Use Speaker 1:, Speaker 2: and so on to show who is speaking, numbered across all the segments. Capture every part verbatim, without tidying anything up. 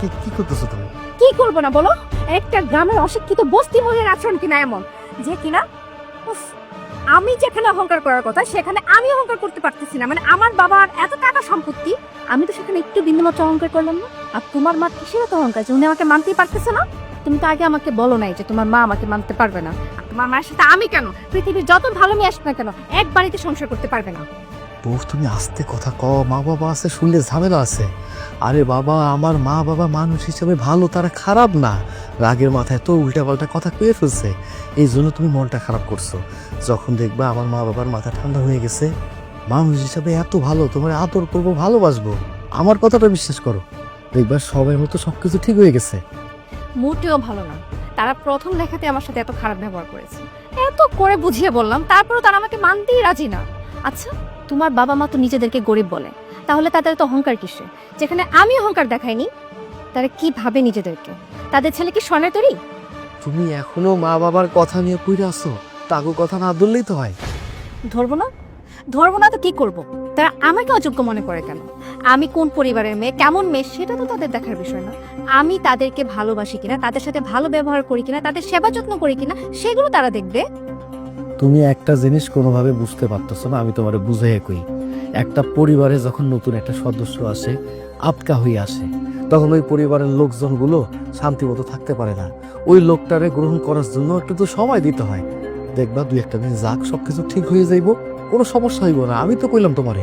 Speaker 1: কি কি করতেছো তুমি?
Speaker 2: কি করবো না বলো? একটা গ্রামের অশিক্ষিত বস্তি মহিলার আচরণ কিনা এমন যে কিনা উফ, আমি যেখানে অহংকার করার কথা সেখানে আমি অহংকার করতে পারতেছি না। মানে আমার বাবার এত টাকা সম্পত্তি, আমি তো সেখানে একটু বিন্দুমাত্র অহংকার করলাম না। আর তোমার মা কিসের এত অহংকার যে উনি আমাকে মানতেই পারতেছে না? তুমি তো আগে আমাকে বলো নাই যে তোমার মা আমাকে মানতে পারবে না। আর তোমার মায়ের সাথে আমি কেন, পৃথিবীর যত ভালো মেয়ে আসবে না কেন, এক বাড়িতে সংসার করতে পারবে না।
Speaker 1: বউ তুমি আস্তে কথা কও, মা বাবা আছে, শুনলে ঝামেলা আছে। আরে বাবা, আমার মা বাবা মানুষ হিসেবে ভালো, তারা খারাপ না। রাগের মাথায় তো উল্টা পাল্টা কথা কয়ে ফেলছে, এই জন্য তুমি মনটা খারাপ করছো। যখন দেখবা আমার মা বাবার মাথা ঠান্ডা হয়ে গেছে, মানুষ হিসাবে এত ভালো, তোমার আদর করবো, ভালোবাসবো। আমার কথাটা বিশ্বাস করো, দেখবা সবার মতো সবকিছু ঠিক হয়ে গেছে।
Speaker 2: মোটেও ভালো না। তারা প্রথম দেখাতে আমার সাথে এত খারাপ ব্যবহার করেছে, এত করে বুঝিয়ে বললাম, তারপরেও তারা আমাকে মানতেই রাজি না। আচ্ছা, তোমার বাবা মা তো নিজেদেরকে গরিব বলে, তাহলে তাদের তো অহংকার কিসে? যেখানে আমি অহংকার দেখাইনি, তারা কি ভাবে নিজেদেরকে? তাদের ছেলে কি স্বর্ণের তৈরি?
Speaker 1: তুমি এখনো মা বাবার কথা নিয়ে পুইরা আছো, তাগো কথা না ধরলেই তো হয়।
Speaker 2: ধরবো না? ধরবো না তো কি করব? তারা আমাকে অযোগ্য মনে করে কেন? আমি কোন পরিবারের মেয়ে, কেমন মেয়ে, সেটা তো তাদের দেখার বিষয় না। আমি তাদেরকে ভালোবাসি কিনা, তাদের সাথে ভালো ব্যবহার করি কিনা, তাদের সেবা যত্ন করি কিনা, সেগুলো তারা দেখবে।
Speaker 1: তুমি একটা জিনিস কোনোভাবে বুঝতে পারতেছো না, আমি তোমারে বুঝাইয়া কই। একটা পরিবারে যখন নতুন একটা সদস্য আসে, আপকা হয়ে আসে, তখন ওই পরিবারের লোকজনগুলো শান্তিমতো থাকতে পারে না। ওই লোকটারে গ্রহণ করার জন্য একটু তো সময় দিতে হয়। দেখবা দুই একটা দিন যাক, সবকিছু ঠিক হয়ে যাইব, কোনো সমস্যা হইব না। আমি তো কইলাম তোমারে।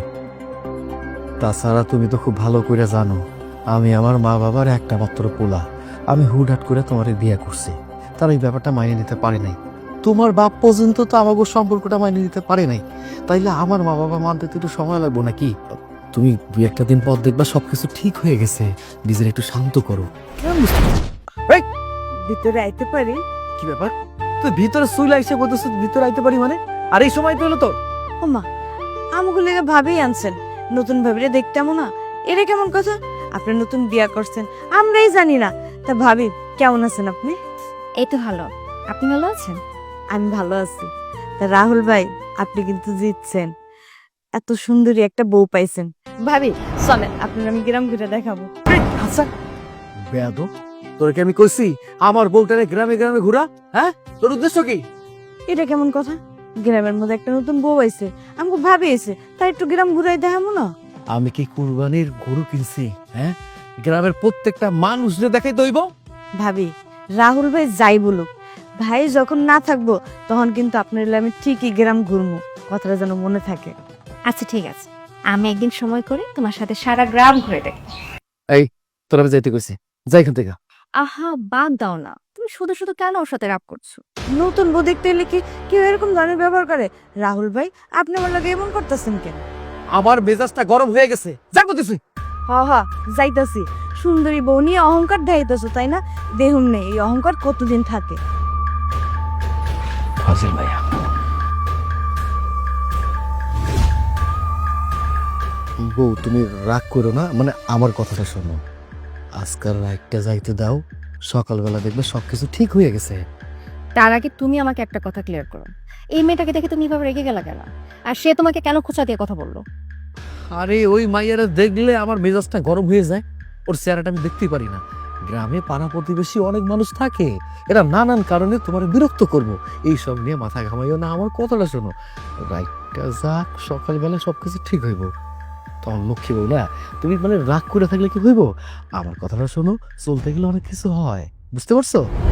Speaker 1: তাছাড়া তুমি তো খুব ভালো করে জানো, আমি আমার মা বাবার একটা মাত্র পোলা। আমি হুটহাট করে তোমারে বিয়ে করছি, তারা এই ব্যাপারটা মানিয়ে নিতে পারে নাই। তোমার বাপ পর্যন্ত তো আমাকে সম্পর্কটা মানিয়ে নিতে পারে নাই, তাইলে আমার মা বাবা মানতে তো একটু সময় লাগবো নাকি? তুমি দুই একটা দিন পর দেখবা সবকিছু ঠিক হয়ে গেছে। নিজের একটু শান্ত করো। কেমন বুঝতে পারছো? এই,
Speaker 3: ভিতরে আইতে পারি?
Speaker 1: কি ব্যাপার? তুই ভিতরে সুইলা এসে বলতেছ ভিতরে আইতে পারি মানে? আর এই সময় তো হলো তোর।
Speaker 3: ওমা, আমাকে লেগে ভাবেই আনছেন, নতুন ভাবিরে দেখতাম না। এটা কেমন কথা? আপনি নতুন বিয়া করছেন, আমরাই জানি না। তা ভাবি, কেমন আছেন আপনি?
Speaker 2: এই তো ভালো। আপনি ভালো আছেন?
Speaker 3: আমি ভালো আছি। তা রাহুল ভাই, আপনি কিন্তু জিতছেন, এত সুন্দরী একটা বউ পাইছেন। ভাবি চলেন, আপনার আমি গ্রাম ঘুরে দেখাবো।
Speaker 1: আচ্ছা বেয়াদব, তোরে কি আমি কইছি আমার বউটারে গ্রামে গ্রামে ঘুরা? হ্যাঁ, তোর উদ্দেশ্য কি?
Speaker 3: এটা কেমন কথা? গ্রামের মধ্যে একটা নতুন বউ আইছে, আমাকে ভাবি এসে, তাই একটু গ্রাম ঘুরাই দেখাবো না?
Speaker 1: আমি কি কুরবানির গরু কিনছি? হ্যাঁ, গ্রামের প্রত্যেকটা মানুষরে দেখাই দইব।
Speaker 3: ভাবি, রাহুল ভাই যাই বলুক, ভাই যখন না থাকবো তখন কিন্তু আপনার হলে আমি ঠিকই গ্রাম ঘুরবো, কথাটা যেন মনে থাকে।
Speaker 2: আচ্ছা ঠিক আছে, আমি একদিন সময় করে তোমার সাথে সারা গ্রাম ঘুরে দেখ।
Speaker 1: এই, তোর আমি যাইতে কইছি, যাই এখান থেকে।
Speaker 2: আহা, বাদ দাও না, তুমি শুধু শুধু কেন ওর সাথে রাগ করছো?
Speaker 3: নতুন বউ দেখতে এলে কি কেউ এরকম ধরনের ব্যবহার করে? রাহুল ভাই, আপনি আমার লাগে এমন করতেছেন কেন?
Speaker 1: আমার মেজাজটা গরম হয়ে গেছে, যা করতেছি।
Speaker 3: হ হ, যাইতাছি। সুন্দরী বউ নিয়ে অহংকার দেখাইতেছো তাই না? দেহুম নেই, এই অহংকার কতদিন থাকে?
Speaker 1: ফাজিল ভাইয়া। বউ তুমি রাগ করো না, মানে আমার কথাটা শোনো। আজকাল রাগটা যাইতে দাও, সকালবেলা দেখবে সবকিছু ঠিক হয়ে গেছে।
Speaker 2: তার আগে তুমি আমাকে একটা কথা ক্লিয়ার করো, এই মেয়েটাকে দেখে তুমি এভাবে রেগে গেলা কেন? আর সে তোমাকে কেন খোঁচা দিয়ে কথা বললো?
Speaker 1: আরে ওই মাইয়ারা দেখলে আমার মেজাজটা গরম হয়ে যায়, ওর চেহারাটা আমি দেখতেই পারি না। গ্রামে পাড়া প্রতিবেশী অনেক মানুষ থাকে, এরা নানান কারণে তোমার বিরক্ত করবো, এইসব নিয়ে মাথা ঘামাইও না। আমার কথাটা শোনো, রাগটা যাক, সকালবেলা সবকিছু ঠিক হইব। তখন লক্ষ্মী বউ না, তুমি মানে রাগ করে থাকলে কি হইব? আমার কথাটা শোনো, চলতে গেলে অনেক কিছু হয়, বুঝতে পারছো?